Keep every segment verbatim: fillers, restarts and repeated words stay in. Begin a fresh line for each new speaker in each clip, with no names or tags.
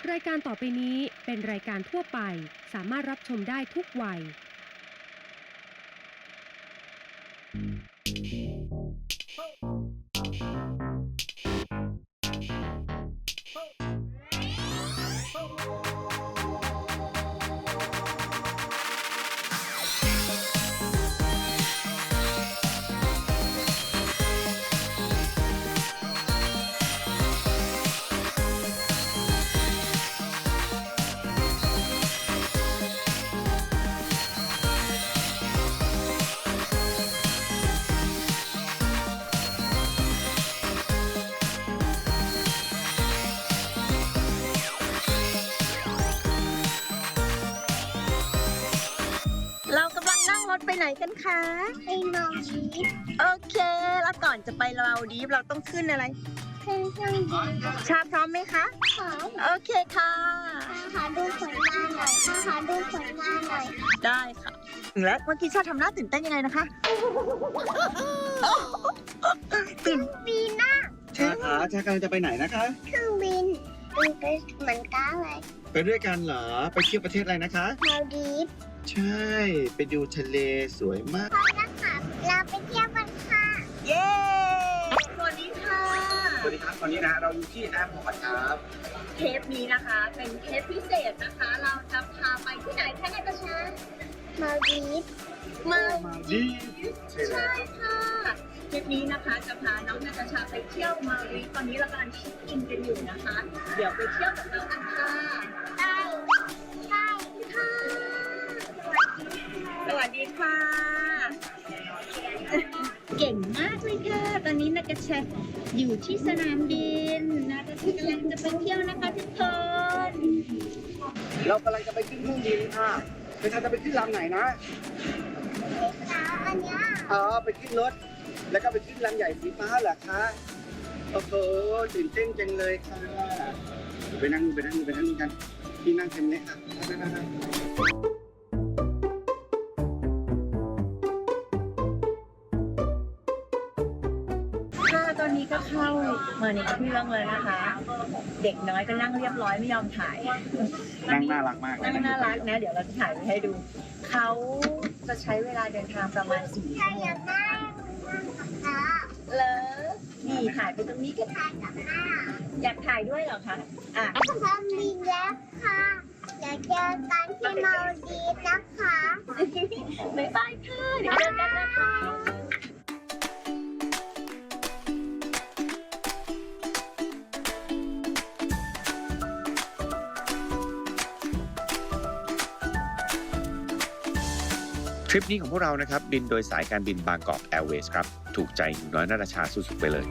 รายการต่อไปนี้เป็นรายการทั่วไปสามารถรับชมได้ทุกวัย
เรากำลังนั่งรถไปไหนกันคะ
ไปมาดีฟ
โอเคแล้วก่อนจะไปมาดีฟเราต้องขึ้นอะไร
ขึ้นเครื่องบิน
ชาพร้อมไหมคะ
ขอ
โอเคค่ะ
หาดูผลงานหน่อยหาดูผลงานหน่อย
ได้ค่ะและเมื่อกี้ชาทำหน้าตื่นเต้นยังไงนะคะตื่น
บินนะ
ชาขาชากำลังจะไปไหนนะคะ
เครื่องบินบินไปเหมือนกันเลย
ไปด้วยกันเหรอ ไปเที่ยวประเทศอะไรนะคะ
มาดีฟ
ใช่ ไปดูทะเลสวยมาก
พอนะคะเราไปเที่ยวกันค่ะ
เย้สวัสดีค่ะ
สวัสดีครับ ตอนนี้นะเราอยู่ที่แอร์พอร์ตครับ
เทปนี้นะคะเป็นเทปพิเศษนะคะ เราจะพาไปที่ไหนคะนายกระชา
มาดีฟ
มา
มาดีฟ
ใช่ค่ะทริปนี้นะคะจะพาน้องนาตาชาไปเที่ยวมารีตอนนี้เรากำลังเช็คอินกันอยู่นะคะ เดี๋ยวไปเที่ยวกับเรากันค่ะ
ได้ใช่ค่ะ
สวัสดีค่ะ เก่งมากเลยค่ะ ตอนนี้นาตาชาอยู่ที่สนามบินนาตาชากำลังจะไปเที่ยวนะคะทุกคน
เรากำลังจะไปขึ้นเครื่องบินค่ะไปชาจะไปขึ้นลำไหนนะ
แล้วอันเนี้ย
อ๋อ ไปขึ้นรถ แล้วก็ไปขึ้นลำใหญ่สีฟ้าเหรอคะ โอ้โห ตื่นเต้นจังเลยค่ะ ไปนั่งไปนั่งไปนั่งกันที่นั่งเต็มเลยค่ะนั่ง
ค่ะตอนนี้ก็เข้ามาในเครื่องเลยนะคะ เด็กน้อยก็นั่งเรียบร้อยไม่ยอมถ่าย
นั่งน่ารักมากเลย
นั่งน่ารักนะ เดี๋ยวเราจะถ่ายไว้ให้ดู เขาจะใช้เวลาเดินทางประมาณสี่
ใคร
ชั่วโม
อยาง กได้ค่ะ
เลยนี่ถ่ายไปตรงนี้ก็
ใครกับแม่
อยากถ่ายด้วยเหรอคะ อ่ะ
เครื่องบินแล้วค่ะเดี๋ยวเจอกันที่มาดีฟนะคะ
บ๊ายบายค่ะ เดี๋ยวเจอกันนะคะ
ทริปนี้ของพวกเรานะครับบินโดยสายการบินบางกอกแอร์เวย์ครับถูกใจหนูน้อยนาตาชาสุดๆไปเลย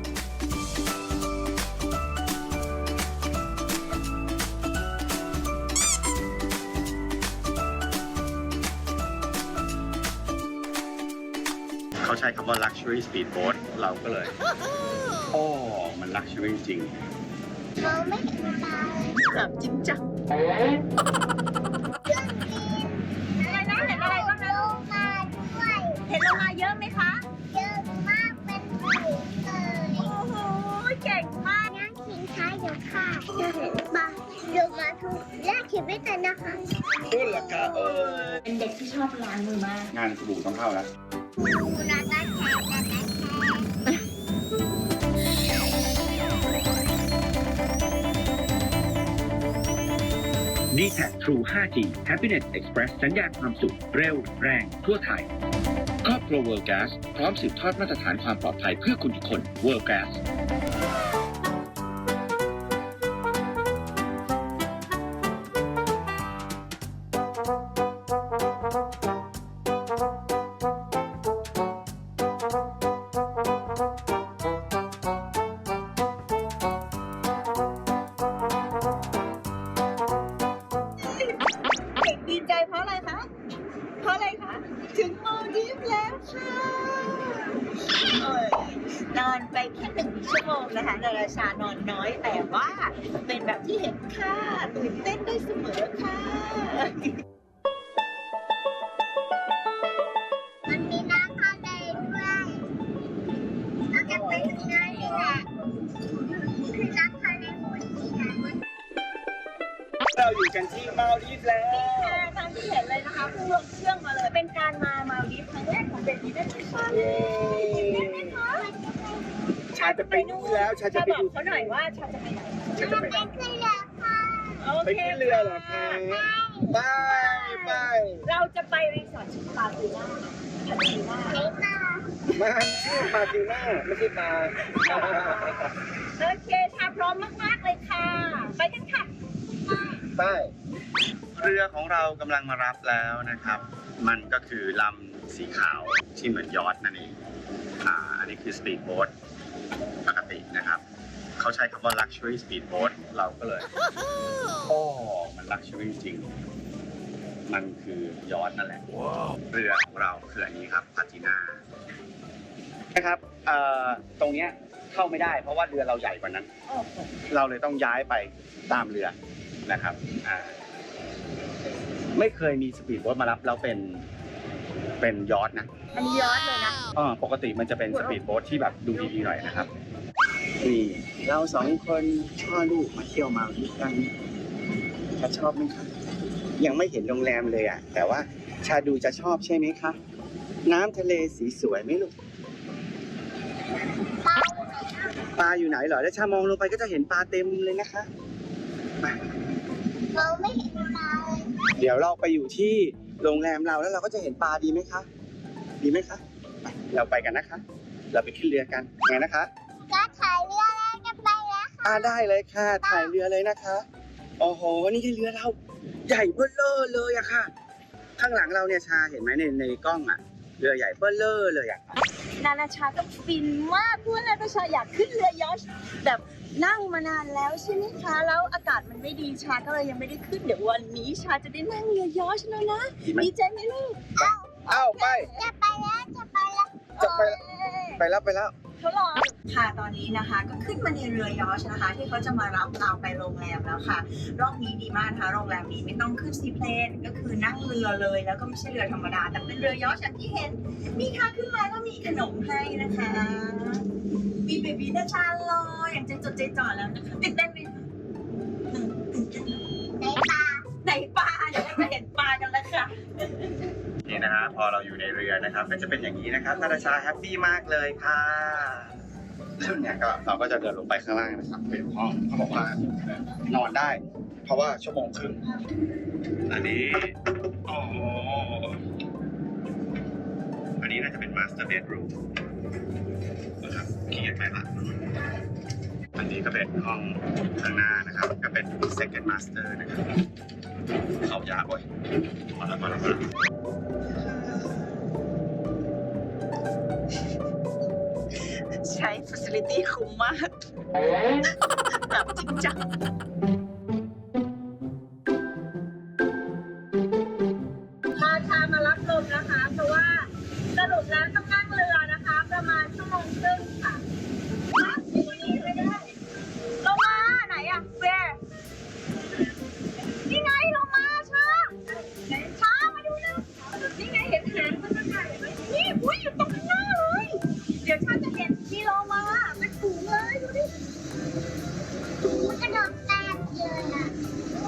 เขาใช้คำว่า luxury speedboat เราก็เลย โอ้มัน luxury จริง
มองไม่เห็นตาเลย
แบบจริงจัง
เครื่องบิน
อะไรนะ เห็นอะไรบ้างนะ
โลมาด้วย
เห็นโลมาเยอะไหมคะ
เยอะมากเป็นฝูงเลย
โอ้โห เก่งมาก
นั่งทิ้งท้ายเดี๋ยวค่ะมาเดี๋ยวมาทุกแรกชีวิตเลยนะคะ
พูดเหรอคะเออ
เป็นเด็กที่ชอบล้างมือมาก
งานสบู่ต้องเข้าแล้ว
ดูนาตาแชร์นาตาแชร์
ดี แท็ก True ไฟว์จี Happiness Express สัญญาณความสุขเร็วแรงทั่วไทยครอบครัว World Gas พร้อมสืบทอดมาตรฐานความปลอดภัยเพื่อคุณทุกคน World Gas
เด็กดีใจเพราะอะไรคะ เพราะอะไรคะ ถึงมาดีฟแล้วค่ะเอ้ยนอนไปแค่หนึ่งชั่วโมงนะคะนาตาชานอนน้อยแต่ว่าเป็นแบบที่เห็นค่ะ ตื่นเต้นได้เสมอค่ะ
มันมีน้ำทะเลด้วยเราจะไปถึงนั่นนี่แหละคือน้ำทะเลหมดนี่นะ
เราอยู่กันที่มาลดีฟแล้ว
ค่ะตามที่เห็นเลยนะคะเพิ่งลงเครื่องมาเลย เป็นการมามาลดีฟครั้งแรกของเบบี้ได้ไหมคะ
เย้
ได้ไหมคะ
ชาจะไปนู่นแล้วชาจะ
ชา
ไป
บอก
ดู
เขาหน่อยว่าชาจะไปไหน
ชาจะไปไหน
ขึ้นเรือค่ะ
โอ
ไป
เค
ขึ้นเรือเหรอคะไปไป
เราจะไปรีสอร์ทชื่อปาตูน่าปาตูน่า
ไปค่ะ
มันชื่อปาติน่าไม่ใช่ปลา
โอเคชาพร้อมมากๆเลยค่ะ ไปกันค่ะ
ไปเรือของเรากำลังมารับแล้วนะครับ มันก็คือลำสีขาวที่เหมือนยอทนั่นเองอ่าอันนี้คือสปีดโบ๊ทปกตินะครับเขาใช้คำว่า luxury speedboat เราก็เลย โอ้ มัน luxury จริง มันคือยอทนั่นแหละ เรือของเราคืออันนี้ครับพาติน่านะครับเอ่อตรงเนี้ยเข้าไม่ได้เพราะว่าเรือเราใหญ่กว่านั้น
โอ้โห
เราเลยต้องย้ายไปตามเรือนะครับอ่าไม่เคยมีสปีดโบ๊ทมารับแล้วเป็นเป็นยอทนะ
อันนี้ย้อนเลยนะ
อ่าปกติมันจะเป็นสปีดโบ๊ทที่แบบดูดีๆหน่อยนะครับนี่เราสองคนพ่อลูกมาเที่ยวมาด้วยกันจะชอบไหมคะยังไม่เห็นโรงแรมเลยอ่ะ แต่ว่าชาดูจะชอบใช่ไหมคะน้ำทะเลสีสวยไหมลูกปลาอยู่ไหนเหรอแล้วชามองลงไปก็จะเห็นปลาเต็มเลยนะคะ
เราไม่เห็นปลาเลย
เดี๋ยวเราไปอยู่ที่โรงแรมเราแล้วเราก็จะเห็นปลาดีไหมคะ ดีไหมคะไปเราไปกันนะคะ เราไปขึ้นเรือกันไงนะคะ
ก็ถ่ายเรือแล้วจะไปแล้วค่ะ
อ่าได้เลยค่ะ ถ่ายเรือเลยนะคะโอ้โหนี่ที่เรือเราใหญ่เบ้อเร่อเลยอะค่ะ ข้างหลังเราเนี่ยชาเห็นไหมในในกล้องอะเรือใหญ่เบ้อเร่อเลยอะ
นานาชาต้องฟินมากเพราะว่านานาชาอยากขึ้นเรือยอชต์แบบนั่งมานานแล้วใช่ไหมคะ แล้วอากาศมันไม่ดีชาก็เลยยังไม่ได้ขึ้นเดี๋ยววันนี้ชาจะได้นั่งเรือยอชต์แล้วนะดีใจไหมลูก
เอ้าไป
จะไปแล้วจะไปแล้ว
จะไปแล้วไปแล้วไปแล้ว
เขารอค่ะตอนนี้นะคะ ก็ขึ้นมาในเรือยอชต์นะคะ ที่เขาจะมารับเราไปโรงแรมแล้วค่ะรอบนี้ดีมากนะคะโรงแรมนี้ไม่ต้องขึ้นซีเพลนก็คือนั่งเรือเลยแล้วก็ไม่ใช่เรือธรรมดาแต่เป็นเรือยอชต์อย่างที่เห็นมีค่ะขึ้นมาก็มีขนมให้นะคะ มีเบบีนาชารออย่างใจจดใจจ่อแล้วนะคะตื่นเต้นไหมคะตื่นเต้น
ในปลา
ไหนปลาเดี๋ยวเราจะเห็นปลากันแล้วค่ะ
นี่นะฮะพอเราอยู่ในเรือนะครับก็จะเป็นอย่างนี้นะครับนาตาชาแฮปปี้มากเลยค่ะซึ่งเนี่ยก็เราก็จะเดินลงไปข้างล่างนะครับเป็นห้องเขาบอกว่านอนได้ เพราะว่าชั่วโมงครึ่งอันนี้โอ้โหอันนี้น่าจะเป็นมาสเตอร์เบดรูมนะครับขี้เกียจไปละอันนี้ก็เป็นห้องข้างหน้านะครับก็เป็น second master นะครับเข้ายากเว้ยมาแล้วมาแล้วมาแล้ว
ใช้ facility คุ้มมากแบบจริงจังพาชามารับลมนะคะ เพราะว่าสรุปแล้วต้องนั่งเรือนะคะ ประมาณชั่วโมงครึ่งค่ะวันนี้ไม่ได้ลงมาไหนอะเวร์นี่ไงลงมาช้าช้ามาดูนะนี่ไงเห็นหางมันจะไหนไหมนี่อุ้ยอยู่ตรงข้างหน้าเลย เดี๋ยวชาจะเห็นมีโลมาเป็นฝูงเลยดูดิ
มันกระโดดแตกเลยอ่ะ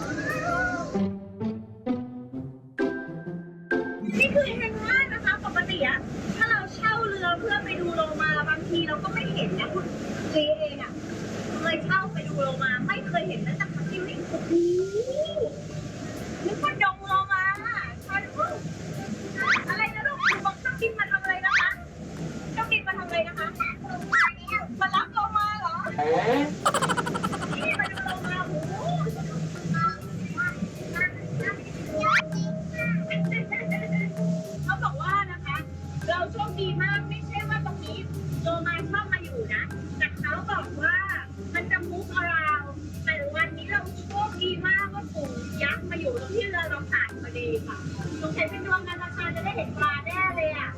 นี่คือเห็นง่ายนะคะปกติอะถ้าเราเช่าเรือเพื่อไปดูโลมาบางทีเราก็ไม่เห็นนะคุณเจเองอะเคยเช่าไปดูโลมาไม่เคยเห็นนะแต่ครั้งนี้โอ้โหนึกว่าดงโลมาชาดูอะไรนะลูกบอกต้องบินมาทำอะไรนะคะต้องบินมาทำอะไรนะคะมารับโลมาเหรอ นี่มาดูโลมาโอ้โหเขาบอกว่านะคะ เราโชคดีมากไม่ใช่ว่าตรงนี้โลมาชอบมาอยู่นะ แต่เขาบอกว่ามันจะมุกอาราวแต่วันนี้เราโชคดีมากว่าฝูงยักษ์มาอยู่ตรงที่เรือเราผ่านพอดีค่ะสงสัยเป็นดวงนานาชาจะได้เห็นปลาแน่เลยอ่ะ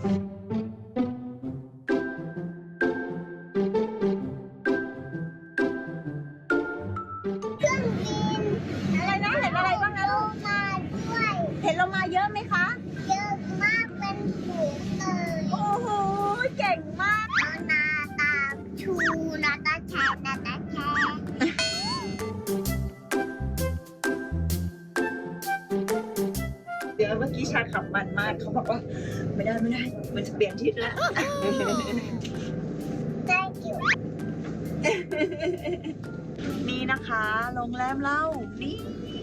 เครื่องบิน
อะไรนะเห็นอะไรบ้างนะ
โล
ลูก
มาด้วย
เห็นโลมาเยอะไหมคะ
เยอะมากเป็นฝูงเลย
โอ้โหเก่งมาก
นานาตาชูนาตาแชร์นาตาแชร์
อเมื่อกี้ชาขับมันมากเขาบอกว่าไม่ได้ไม่ได้มันจะเปลี่ยนทิศแล้ว
ได้อยู่
นี่นะคะโรงแรมเรานี่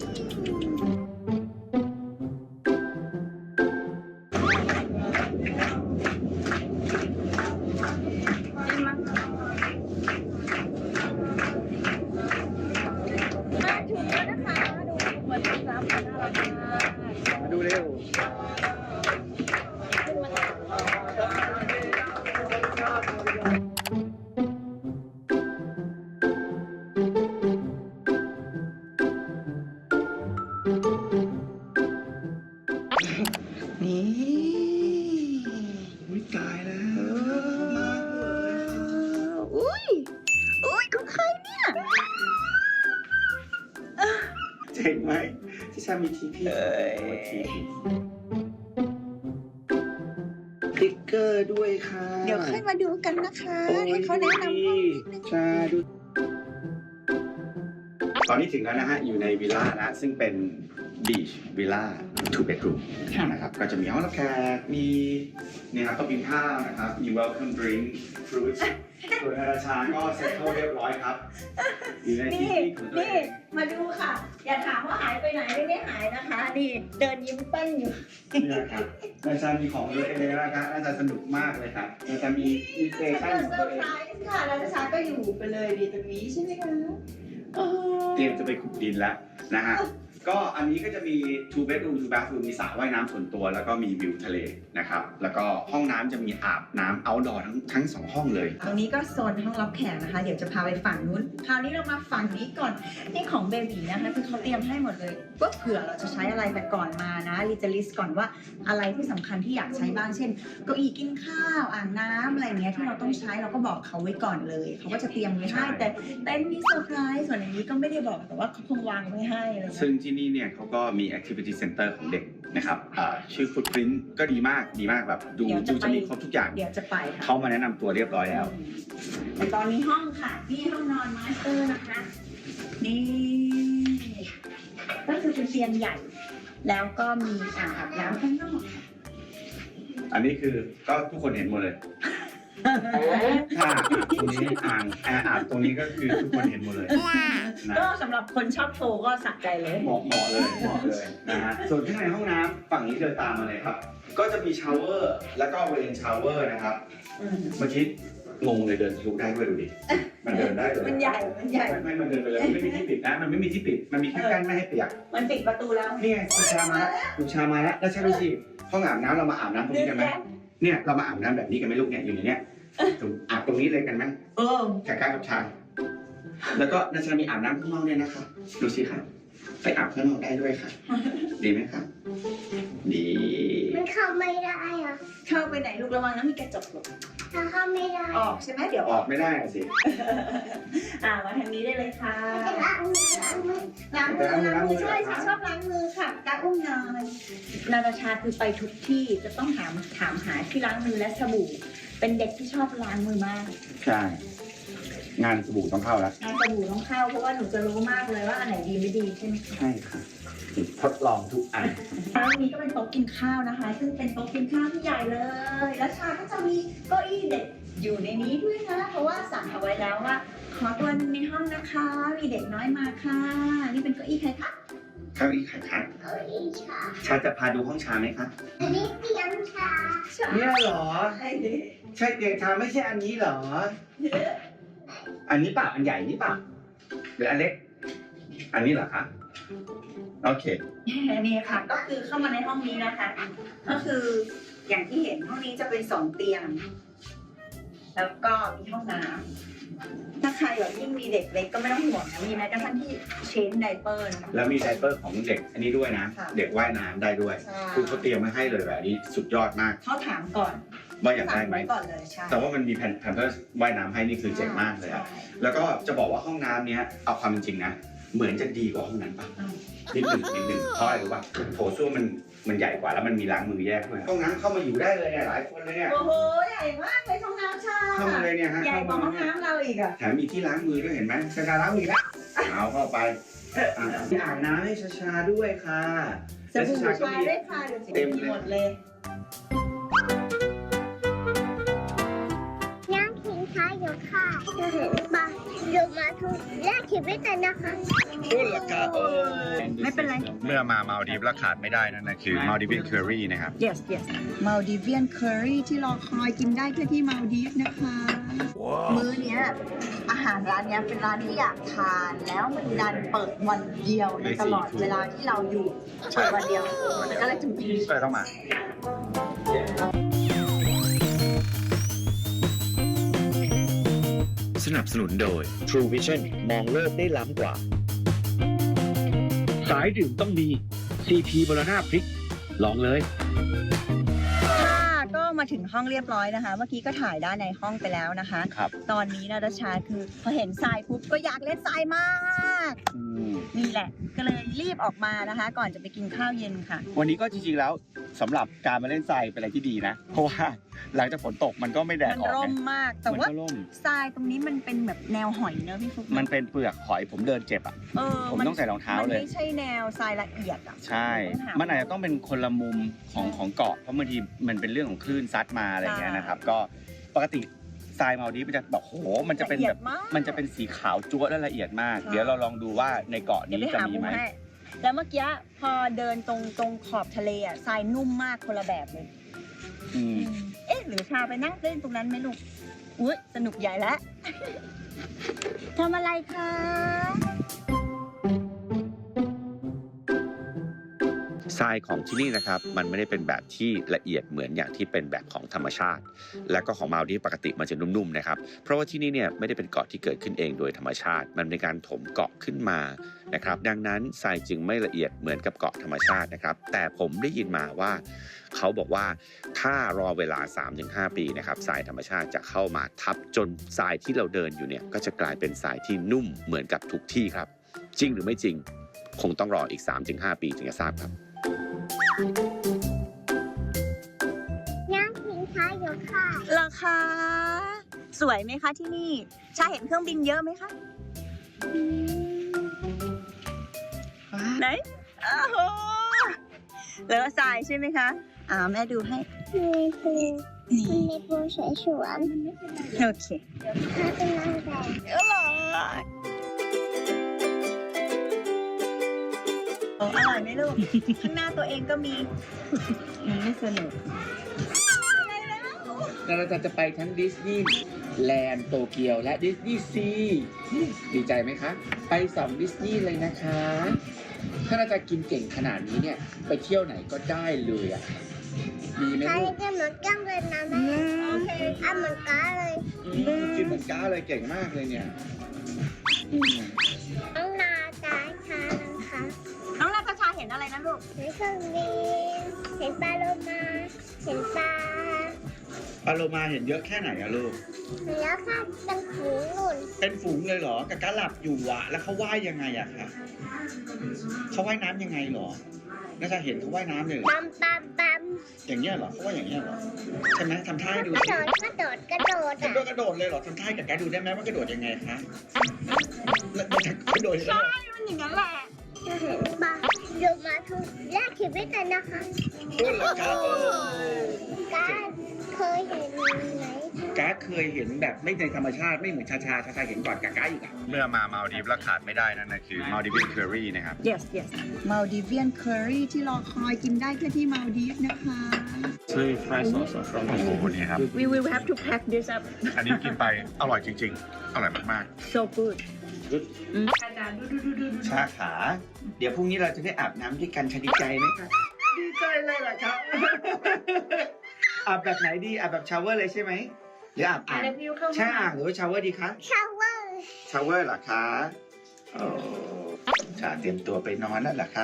มาถึงแล้วนะคะดูเหมือนรับน่ารักมาก
มาดูเร็ว
นี่
อุ้ยตายแล้ว
อุ้ยอุ้ยของใครเนี่ย
เจ๋งไหมที่ชามีทีพี
เอ้ย
สติ๊กเกอร์ด้วยค่ะ
เดี๋ยวค่อยมาดูกันนะคะ ให้เขาแนะนำห้องนิดนึง
ชาดู ตอนนี้ถึงแล้วนะฮะ อยู่ในวิลล่านะ ซึ่งเป็นบีชวิลล่า two bedroom นะครับ ก็จะมีห้องรับแขก มีเนี่ยครับโต๊ะกินข้าวนะครับ มี welcome drink fruits ส่วนอาราชาก็เซ็ตเข้าเรียบร้อยครับ อยู่ในที่
นี่
ที่ของตัว
นี่
เอง
มาดูค่ะ อย่าถามว่าหายไปไหนไม่ได้หายนะคะ นี่เดินยิ้มเป้นอยู่
เนี่ยครับอาจารย์มีของตัวเองนะครับอาจารย์สนุกมากเลยครับอาจารย์มีมีสเต
ฉัน
ชั่น
ก็
ของ
เซอ
ตัว
ร์
เอง
ไพรส์ค่ะแล้วชาก็อยู่ไปเลยดีตรงนี้ใช่ไหมคะโอ้โห
เตรียมจะไปขุดดินแล้วนะฮะ ก็อันนี้ก็จะมี two bedroom two bathroom มีสระว่ายน้ำส่วนตัว แล้วก็มีวิวทะเลนะครับ แล้วก็ห้องน้ำจะมีอาบน้ำ outdoor ทั้งทั้งสองห้องเลย
ตรงนี้ก็โซนห้องรับแขกนะคะ เดี๋ยวจะพาไปฝั่งนู้น คราวนี้เรามาฝั่งนี้ก่อน นี่ของเบบีนะคะคือเขาเตรียมให้หมดเลยว่าเผื่อเราจะใช้อะไรแต่ก่อนมานะลิจะลิสต์ก่อนว่าอะไรที่สำคัญที่อยากใช้บ้าง เช่นเก้าอี้กินข้าว อ่างน้ำอะไรเงี้ยที่เราต้องใช้เราก็บอกเขาไว้ก่อนเลย เขาก็จะเตรียมไว้ให้ แต่เต็นท์มีเซอร์ไพรส์ส่วนอย่างนี้ก็ไม่ได้บอกแต่ว่าเขาคงวางไว้ให้อะไรเงี้ย
ซึ่งที่นี่เนี่ยเขาก็มี activity center ของเด็กนะครับอ่าชื่อ footprint ก็ดีมาก ดีมากแบบดู
เดี๋ยวจะ
ดู
ไป
จะมีครบทุกอย่าง
เดี๋ยวจะไปค่ะ
เขามาแนะนำตัวเรียบร้อยแล้ว
แต่ตอนนี้ห้องค่ะนี่ห้องนอนมาสเตอร์นะคะ นี่ก็คือเป็นเตียงใหญ่ แล้วก็มีอ่างอาบน้ำข้างนอก
อันนี้คือก็ทุกคนเห็นหมดเลย ถ้าตรงนี้อ่างแอร์อาบตรงนี้ก็คือทุกคนเห็นหมดเลยนะ
ก็สำหรับคนชอบโชว์ก็สะใจเลย
เหมาะเหมาะเลยเหมาะเลยนะฮะส่วนข้างในห้องน้ำฝั่งนี้เดินตามมาเลยครับ ก็จะมีชาวเวอร์แล้วก็เรนชาวเวอร์นะครับ
อืม
เมื่อกี้งงเลยเดินทะลุได้ด้วยดูดิมันเดินได้เลย
มันใหญ่ มันใหญ่
ไม่ไม่มันเดินไปเลยมันไม่มีที่ปิดนะมันไม่มีที่ปิดมันมีแค่กั้นไม่ให้เปียก
มันปิดประตูแล้ว
นี่ไงคุณชามาแล้วคุณชามาแล้วแล้วใช่ดูสิห้องอาบน้ำเรามาอาบน้ำตรงนี้กันไหมเนี่ยเรามาอาบน้ำแบบนี้กันไหมลูกเนี่ยอยู่ในเนี้ยตรงอาบตรงนี้เลยกันไหม
เออ
แขกกล้ากับชายแล้วก็นาชามีอาบน้ำข้างนอกด้วยนะคะดูสิค่ะไปอาบข้างนอกได้ด้วยค่ะ ดีไหมครับดี
มันเข้าไม่ได้อะ
เข้าไปไหนลูกระวังนะมีกระจกหลบ
ถ้าเข้าไม่ได้
ออกใช่ไหมเดี๋ยว
ออกไม่ได้อะสิ
อ่ามาทางนี้ได้เลยค่ะ
จะล้างมือล้างมือ
ล้างมือล้างมือใช่ฉันชอบล้างมือค่ะการอุ้มนอนนาตาชาคือไปทุกที่จะต้องถามถามหาที่ล้างมือและสบู่ เป็นเด็กที่ชอบล้างมือมาก
ใช่งานสบู่ต้องเข้าแล้ว
งานสบู่ต้องเข้าเพราะว่าหนูจะรู้มากเลยว่าอันไหนดีไม่ดีใช่ไหมคะ
ใช่ค่ะทดลองทุกอัน
ร้านนี้ก็เป็นโต๊ะกินข้าวนะคะ ซึ่งเป็นโต๊ะกินข้าวที่ใหญ่เลย แล้วชาก็จะมีเก้าอี้เด็กอยู่ในนี้ด้วยนะ เพราะว่าสั่งเอาไว้แล้วว่า ขอตัวหนึงในห้องนะคะ มีเด็กน้อยมาค่ะ นี่เป็นเก้าอี้ใครคะ
เก้าอี้ไข่คัน
เอาอีกค่ะ
ชาจะพาดูห้องชาไหมคะ
อันนี้เตรียมชา
ชา
เนี่ยเหรอ
ใช่ดิ
ใช่เตียงชาไม่ใช่อันนี้เหรอ อันนี้ป่ะอันใหญ่นี่ป่ะหรืออันเล็ก อันนี้เหรอคะโอเค
นี่ค่ะ ก็คือเข้ามาในห้องนี้นะคะ ก็คืออย่างที่เห็นห้องนี้จะเป็นสองเตียง แล้วก็มีห้องน้ำถ้าใครแบบยิ่งมีเด็กเล็กก็ไม่ต้องห่วงนะมีแม้กระทั่งที่เชนไดเปอร์นะคะ
แล้วมีไดเปอร์ของเด็กอันนี้ด้วยนะ
ค่ะ
เด็กว่ายน้ำได้ด้วย
ใช่
คือเขาเตรียมมาให้เลยแบบนี้สุดยอดมาก
เขาถามก่อน
ว่าอยากได้ไหม
สั่งว้ก่อนเลยใช่
แต่ว่ามันมีแผ่นแผ่นเพื่อว่ายน้ำให้นี่คือเจ๋งมากเลยอะ
ใช่
แล้วก็จะบอกว่าห้องน้ำเนี้ยเอาความเป็นจริงนะ เหมือนจะดีกว่าห้องนั้นป่ะ
อืม
นิดหนึ่งนิดหนึ่งเพราะอะไรรู้ป่ะโถส้วมมันมันใหญ่กว่าแล้วมันมีล้างมือแยกด้วยห้องน้ำเข้ามาอยู่ได้เลยเนี่ยหลายคนเลยเนี่ย
โอ้โหใหญ่มากเลยห้องน้ำชา
เข้ามาเลยเนี่ยฮะ
ใหญ่กว่าห้องน้ำเราอีกอะ
แถมมีที่ล้างมือด้วยเห็นไหมชาชาล้างมือแล้วเอาเข้าไปอ่ะมีอ่างน้ำให้ชาชาด้วยค่ะ
สบู่ชาด้วยค่ะเดี๋ยวจะมีหมดเลย
ย่างทิ้งท้ายอยู่ค่ะจะเห็นปะอยู่มาทุกแรกชีวิตเลยนะคะ
ต้นราคาโอ้
ไม่เป็นไร
เมื่อมามาลดีฟแล้วขาดไม่ได้นั่นนะคือมาลดีฟเคอรี่นะครับ
yes yes มาลดีเวียนเคอรี่ที่รอคอยกินได้แค่ที่มาลดีฟนะคะ มื้อเนี้ยอาหารร้านเนี้ยเป็นร้านที่อยากทานแล้วมันดันเปิดวันเดียวในตลอดเวลาที่เราอยู่เปิดวันเดียวก็เลยถึง
ก็เลยต้องมา
สนับสนุนโดย True Vision มองโลกได้ล้ำกว่า สายดื่มต้องมี ซี พี บรณาพริก ลองเลย
ค่ะก็มาถึงห้องเรียบร้อยนะคะ เมื่อกี้ก็ถ่ายด้านในห้องไปแล้วนะคะ
ครับ
ตอนนี้นาตาชาคือพอเห็นทรายปุ๊บก็อยากเล่นทรายมาก
อืม
นี่แหละ ก็เลยรีบออกมานะคะ ก่อนจะไปกินข้าวเย็นค่ะ
วันนี้ก็จริงๆแล้วสำหรับการมาเล่นทรายเป็นอะไรที่ดีนะ เพราะว่าหลังจากฝนตกมันก็ไม่แดด
มัน
ออก
ร่ม
ไง
มาก แต่
มัน
ว่า
ก็ร่ม
ทรายตรงนี้มันเป็นแบบแนวหอยเนอะพี่ฟุ๊ก
มันเป็นเปลือกหอยผมเดินเจ็บอ่ะ
เออ
ผมต้องใส่รองเท้าเลย
มันไม่ใช่แนวทรายละเอียดอ่ะ
ใช่
ต้องหา
มันอาจจะต้องเป็นคนละมุมของของเกาะ เพราะบางทีมันเป็นเรื่องของคลื่นซัดมาอะไรอย่างเงี้ยนะครับ ก็ปกติทรายมาลดีฟมันจะแบบโห มันจะเป็น
ละอี
แบ
ยด
บ
มาก
มันจะเป็นสีขาวจั๊วและละเอียดมาก
ใช่
เดี๋ยวเราลองดูว่าในเกาะ
เดี๋ยว
นี้
ไป
จะ
หา
มี
มุม
ไหม
ให้แล้วเมื่อกี้พอเดินตรงตรงขอบทะเลอ่ะทรายนุ่มมากคนละแบบเลย
อืม
เอ๊ะหรือชาไปนั่งเล่นตรงนั้นไหมลูกอุ้ยสนุกใหญ่แล้ว ทำอะไรคะ
ทรายของที่นี่นะครับมันไม่ได้เป็นแบบที่ละเอียดเหมือนอย่างที่เป็นแบบของธรรมชาติ และก็ของมาลดีฟปกติมันจะนุ่มๆนะครับเพราะว่าที่นี่เนี่ยไม่ได้เป็นเกาะที่เกิดขึ้นเองโดยธรรมชาติ มันเป็นการถมเกาะขึ้นมานะครับดังนั้นทรายจึงไม่ละเอียดเหมือนกับเกาะธรรมชาตินะครับแต่ผมได้ยินมาว่าเขาบอกว่าถ้ารอเวลา สามถึงห้า ปีนะครับทรายธรรมชาติจะเข้ามาทับจนทรายที่เราเดินอยู่เนี่ยก็จะกลายเป็นทรายที่นุ่มเหมือนกับทุกที่ครับจริงหรือไม่จริงคงต้องรออีก สามถึงห้า ปีถึงจะทราบครับ
ย่างทิ้งท้ายอยู่ค่ะ
ราคา สวยไหมคะที่นี่ชาเห็นเครื่องบินเยอะไหมคะไหนโอ้โหเลอะทรายใช่ไหมคะอ่าแม่ดูให้
มีปู
นี่
มีปูสวยสวน
โอเค
ถ้าเป็นนางแบบ
เออโอ้อร่อยไหมลูก ข้างหน้าตัวเองก็มีมันไม่สนุก
แล้วเราจะไปทั้งดิสนีย์แลนด์โตเกียวและดิสนีย์ซีดีใจไหมคะ ไปสองดิสนีย์เลยนะคะ ถ้าเราจะกินเก่งขนาดนี้เนี่ย ไปเที่ยวไหนก็ได้เลยอ่ะดีไหม
ใคร
ลูก
จะเหมือนกันเลยนะแม่
โอเค
อ่ะเหมือนกันเลย
อืมกินเหมือนก้าเลยเก่งมากเลยเนี่ยอืม
น้องนาตาชานะคะ
น้องนาตาชาเห็นอะไรนะลูก
เห็นเครื่องบินเห็นปลาโลมาเห็นปลา
ปลาโลมาเห็นเยอะแค่ไหนอะลูก
แล้วค่ะเป็นฝูงนุ่น
เป็นฝูงเลยเหรอกะกะหลับอยู่อะแล้วเขาว่ายยังไงอะคะเขาว่ายน้ำยังไงเหรอน่าจะเห็นเขาว่ายน้ำเลยเหรอ
ปั๊มปั๊มปั๊ม
อย่างเงี้ยเหรอเขาว่าอย่างเงี้ยเหรอใช่ไหมทำท่าให้ดู
กระ
สิ
โดดกระโดดกระโดด
กระ
อ่ะ
โดดกระโดดเลยเหรอทำท่าให้กะกะดูได้ไหมว่ากระโดดยังไงคะแล้วจะกระโดดยังไง
มันอย่างนั้นแหละ
จะเห็นปลาอยู่มาทุกแรกชีวิตเลยนะคะ
ต้นราคาโอ้
การเคยเห็นไหม
ก้าเคยเห็นแบบไม่ในธรรมชาติไม่เหมือนชาชาชาชาเห็นก่อนกาก้าอีกอ่ะ
เมื่อมามาลดีฟแล้วขาดไม่ได้นั่นนะคือมาลดีฟเคอรี่นะครับ
yes yes มาลดีเวียนเคอรี่ที่รอคอยกินได้แค่ที่มาลดีฟนะคะ
Very fresh also from โอ้โหนี่ครับ
we will have to pack this up
อันนี้กินไปอร่อยจริง ๆ อร่อยมาก
so good
ๆ ชาขา เดี๋ยวพรุ่งนี้เราจะได้อาบน้ำด้วยกันชาดีใจไหมครับดีใจเลยเหรอครับ อาบแบบไหนดีอาบแบบชาวเวอร์เลยใช่ไหมหรืออาบอ่างใช่อ่างหรือว่าชาวเวอร์ดีคะ
ชาวเวอร์
ชาวเวอร์เหรอคะโอ้ชาเตรียมตัวไปนอนแล้วเหรอคะ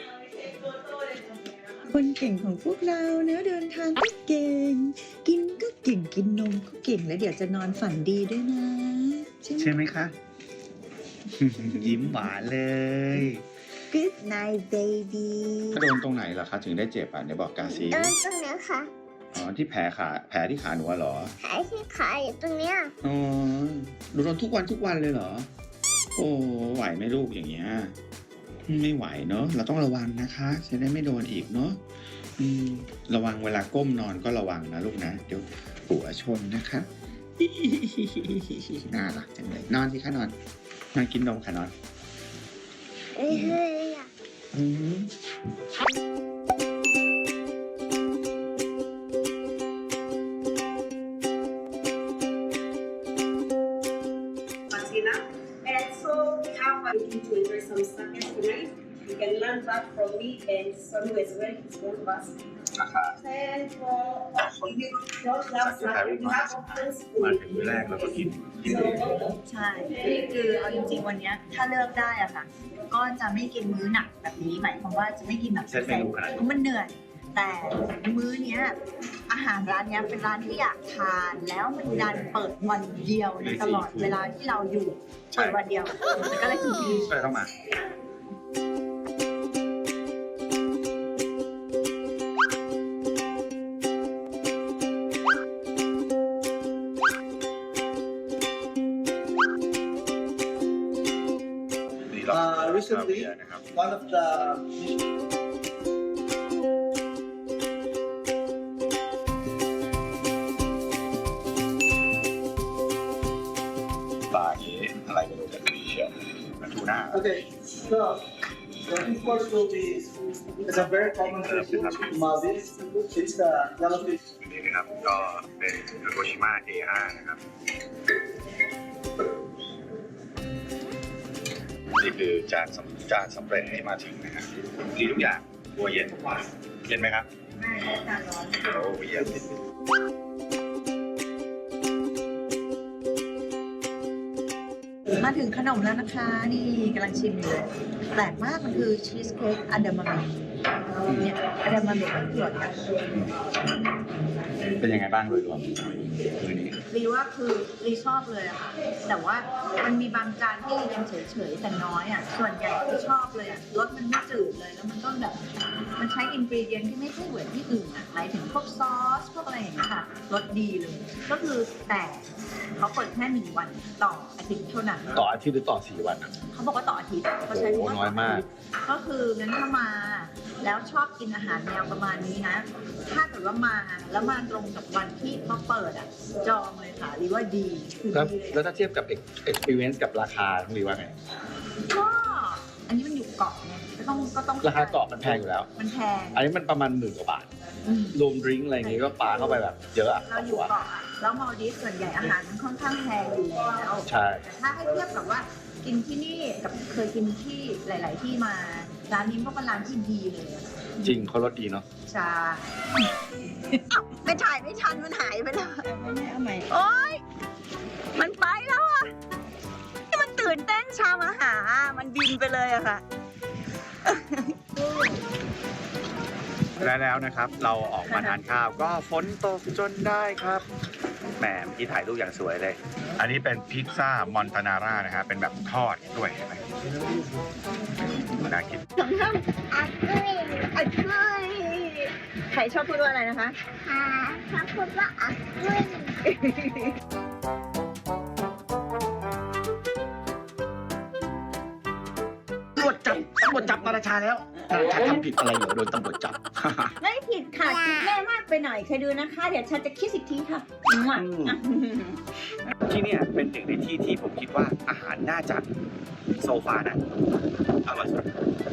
คนเก่งของพวกเราเนื้อะเดินทางก็เก่ง กินก็เก่งกินนมก็เก่งแล้วเดี๋ยวจะนอนฝันดีด้วยนะ ใช่ไหม
ใช่ไหมคะ ยิ้มหวานเลย
Good night baby
โดนตรงไหนเหรอคะถึงได้เจ็บอ่ะเดี๋ยวบอกกาซี
เดินตรงเนี้ยค่ะ
อ๋อที่แผลขาแผลที่ขาหนูอะเหรอ
ขายที่ขายอยู่ตรงเนี้ย
อ๋อหนูโดนทุกวันทุกวันเลยเหรอ โอ้ไหวไหมลูกอย่างเงี้ย
ไม่ไหวเนาะเราต้องระวังนะคะจะได้ไม่โดนอีกเนาะอืมระวังเวลาก้มนอนก็ระวังนะลูกนะเดี๋ยวหัวชนนะคะ น่ารักจังเลยนอนสิคะนอนนอนกินนมค่ะนอน
เอ้ยเฮ้ยอ่ะ
อืม
Martina. And so we have a looking to enjoy some snackers tonight. You can learn that from me and Sonu as well. It's one of us.
ราคา
And for you don't have snack, you have options
มา
for
ถึงมื้อแรกแล้วก็กินกินเอง
ใช่คือเอาจริงๆวันเนี้ยถ้าเลือกได้อะค่ะ ก็จะไม่กินมื้อหนักแบบนี้หมายความว่าจะไม่กินแบบ
เซตเมนูขนาดนี้
เพราะมันเหนื่อย แต่มื้อเนี้ยอาหารร้านเนี้ยเป็นร้านที่อยากทานแล้วมันดันเปิดวันเดียวในตลอดเวลาที่เราอยู่เปิดวันเดียวมันก็เลยถึงดี
ก็เลยต้องมา
Uh, recently,
นะครับ
one of the
ปลาเก๋อะไรไม่รู้แต่ดีเชียวมันทูน่า
okay, so the first course will be it's a very common fish in Maldives. It's the yellowfish.
นี่นะครับก็เป็นโกชิมะ เอ ห้า นะครับนี่คือจานสำจานสำเร็จให้มาถึงนะครับดีทุกอย่างตัวเย็นเย็นไหมครับ
ไม่ได้ทานร้อน
โอ้เย็น
มาถึงขนมแล้วนะคะ นี่กำลังชิมอยู่เลยแปลกมากมันคือชีสเค้กอะดามาเมะเนี่ยอะดามาเมะมันคืออะไร
เป็นยังไงบ้างโดยรวมมือนี้
รีว่าคือรีชอบเลยอะค่ะ แต่ว่ามันมีบางจานที่รียังเฉยๆแต่น้อยอะส่วนใหญ่ที่ชอบเลยอะรสมันไม่จืดเลยแล้วมันก็แบบมันใช้อินกรีเดียนที่ไม่ใช่เหมือนที่อื่นอะหมายถึงพวกซอสพวกอะไรอย่างเงี้ยค่ะรสดีเลย ก็คือแต่เขาเปิดแค่หนึ่งวันต่ออาทิตย์เท่านั้น
ต่ออาทิตย์หรือต่อสี่วันอ่ะ
เขาบอกว่าต่ออาทิตย์เขาใช้คำว่า
โอ้น้อยมาก
ก็คืองั้นถ้ามา แล้วชอบกินอาหารแนวประมาณนี้นะ ถ้าเกิดว่ามาแล้วมาตรงกับวันที่เขาเปิดอ่ะ จองเลยค่ะหรือว่าดีคือ
แล้ว
ดีเลย
แล้วถ้าเทียบกับ experience กับราคาต้องรีว่าไง
ก็อันนี้มันอยู่เกาะไงก็ต้องก็ต้อง
ราคาเกาะมันแพงอยู่แล้ว
มันแพง
อันนี้มันประมาณหมื่นกว่าบาท
อืม
รวมดริงก์อะไรอย่างงี้ก็ปาเข้าไปแบบเยอะอะ
เราอยู่เกาะอะแล้วมอลดีฟส่วนใหญ่อาหารมันค่อนข้างแพงอยู่แล้ว
ใช่
แต่ถ้าให้เทียบกับว่ากินที่นี่กับเคยกินที่หลาย ๆ ที่มาร้านนี้ก็เป็นร้านที่ดีเลยอะ
จริงเขารสดีเนาะ
ใช่ไม่ถ่ายไม่ทันมันหายไปแล้วโอ๊ยมันไปแล้วอ่ะที่มันตื่นเต้นชามาหา มันบินไปเลยอะค่ะ
และแล้วนะครับเราออกมาทานข้าวก็ฝนตกจนได้ครับแหมเมื่อกี้ถ่ายรูปอย่างสวยเลย อันนี้เป็นพิซซ่ามอนตานาร่านะครับเป็นแบบทอดด้วยเห็นไหมน่ากิน
อักกุ้ย
อักกุ้ยใครชอบพูดว่าอะไรนะคะ
หาชอบพูดว่าอักกุ้ย
ตำรวจจับตำรวจจับนาราชาแล้วนาราชาทำผิดอะไรเหรอโดนตำรวจจับ
ไม่ผิดค่ะคิดแม่มากไปหน่อยเคยดูนะคะ เดี๋ยวฉันจะคิดอีกทีค่ะมั่ว
ที่เนี่ยเป็นหนึ่งในที่ที่ผมคิดว่าอาหารน่าจะโซฟานะอร่อยสุด